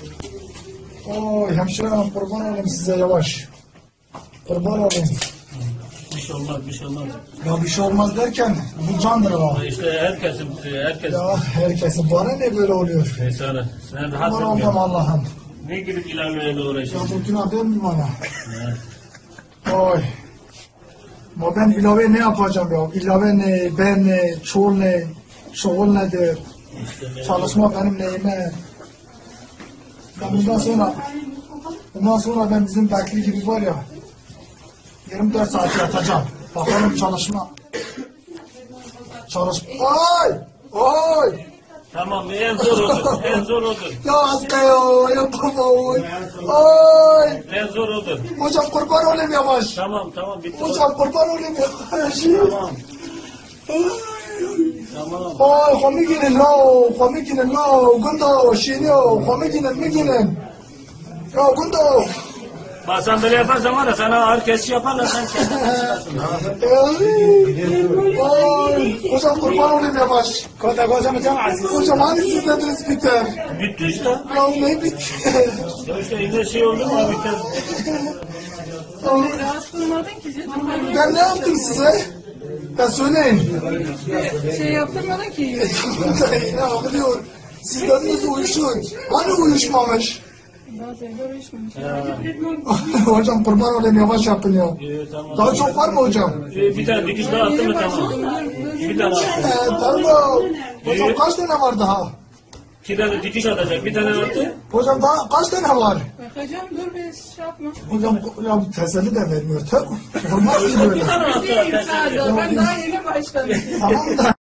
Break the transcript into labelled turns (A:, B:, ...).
A: Oy hemşirem kurban olayım size yavaş. Kurban olayım.
B: Bir şey olmaz, bir şey olmaz.
A: Ya bir şey olmaz derken bu candır ha.
B: İşte herkes.
A: Ya herkesin bana ne böyle oluyor?
B: Neyse sen rahat
A: Kurban
B: ol.
A: oldum Allah'ım.
B: Ne gidip ilerleyle
A: Ya
B: uğraşıyorsun?
A: bu günah değil mi bana?
B: Evet.
A: Oy. Ama ben ilave ne yapacağım ya? İlave ne, ben ne, çoğul ne, çoğul nedir? Çalışma benim neyime? Ben bundan sonra ben bizim bekli gibi var ya 24 saat yatacağım. Bakalım çalışma. Ay! Ay!
B: Tamam en zor odur. En zor odur.
A: Ya hasta ya, yapamam. Ay!
B: En zor odur.
A: Hocam kurban olayım yavaş.
B: Tamam tamam bitti.
A: Hocam kurban olayım yavaş.
B: Tamam. Tamam.
A: Ay, komikinin no, gundo, şiniyo, komikinin. Ya gundo.
B: Bak sen böyle yaparsan var ya sana ağır kesici yaparlar sen kendin çıkarsın.
A: Ay, hocam kurban olayım yavaş. Hocam hani siz dediniz biter.
B: Bitti işte.
A: Ya ne bitti?
B: Ya işte yine şey oldu mu biter.
C: Rahatsız olmadın ki canım.
A: Ben ne yaptım size? Ya söyleyin.
C: Şey yaptırmadın ki.
A: Ne oluyor? Siz dediniz uyuşun. Hani uyuşmamış?
C: Bazen görüşmemiş.
A: Hocam kurban olayım yavaş yapın ya.
B: Tamam.
A: Daha çok var mı hocam?
B: Bir tane dikiş daha attın mı tamam. Bir tane attı.
A: Tamam. Hocam kaç tane var daha?
B: 2 tane dikiş atacak. Bir tane attı.
A: Hocam daha kaç tane var?
C: Bakacağım dur be şey yapma.
A: Hocam ya teselli de vermiyor. Olmaz ki böyle.
B: Bir tane attı.
C: Değilim sadece. Ben daha yeni başladım.
A: Tamam da.